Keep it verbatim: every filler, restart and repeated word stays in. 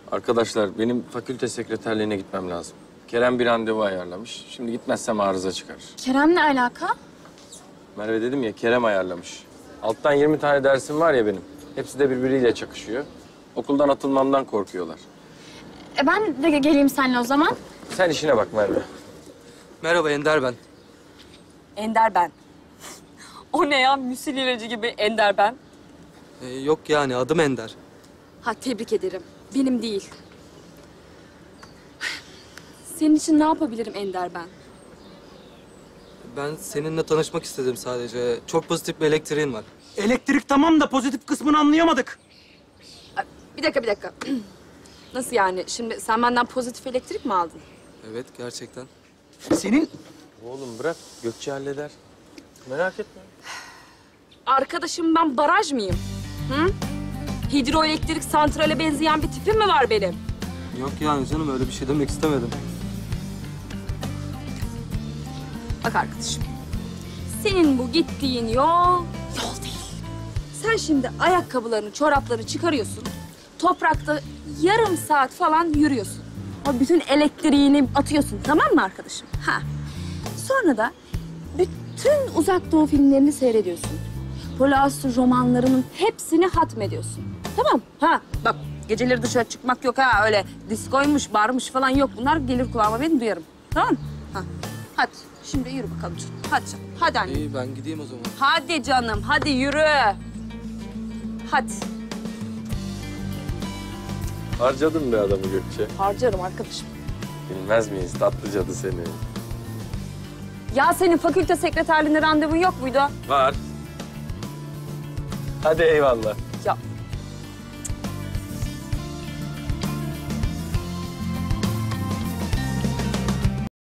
Arkadaşlar benim fakülte sekreterliğine gitmem lazım. Kerem bir randevu ayarlamış. Şimdi gitmezsem arıza çıkarır. Kerem'le alaka? Merve dedim ya, Kerem ayarlamış. Alttan yirmi tane dersim var ya benim. Hepsi de birbiriyle çakışıyor. Okuldan atılmamdan korkuyorlar. E ben de geleyim seninle o zaman. Sen işine bak Merve. Merhaba Ender ben. Ender ben. O ne ya? Müsil ilacı gibi Ender ben. Ee, yok yani adım Ender. Ha tebrik ederim. Benim değil. Senin için ne yapabilirim Ender ben? Ben seninle tanışmak istedim sadece. Çok pozitif bir elektriğin var. Elektrik tamam da pozitif kısmını anlayamadık. Ay, bir dakika bir dakika. Nasıl yani? Şimdi sen benden pozitif elektrik mi aldın? Evet gerçekten. Senin Oğlum bırak, Gökçe halleder. Merak etme. Arkadaşım ben baraj mıyım? Hı? Hidroelektrik santrale benzeyen bir tipim mi var benim? Yok yani canım öyle bir şey demek istemedim. Bak arkadaşım. Senin bu gittiğin yol, yol değil. Sen şimdi ayakkabılarını, çoraplarını çıkarıyorsun. Toprakta yarım saat falan yürüyorsun. O bütün elektriğini atıyorsun, tamam mı arkadaşım? Ha. Sonra da bütün Uzak Doğu filmlerini seyrediyorsun. Polaslı romanlarının hepsini hatmediyorsun. Tamam. Ha bak geceleri dışarı çıkmak yok ha. Öyle diskoymuş, barmış falan yok. Bunlar gelir kulağıma, ben duyarım. Tamam mı? Ha. Hadi şimdi yürü bakalım canım. Hadi canım. Hadi anne. İyi ben gideyim o zaman. Hadi canım. Hadi yürü. Hadi. Harcadın be adamı Gökçe. Harcarım arkadaşım. Bilmez miyiz tatlı cadı seni? Ya senin fakülte sekreterliğinde randevun yok muydu? Var. Hadi eyvallah.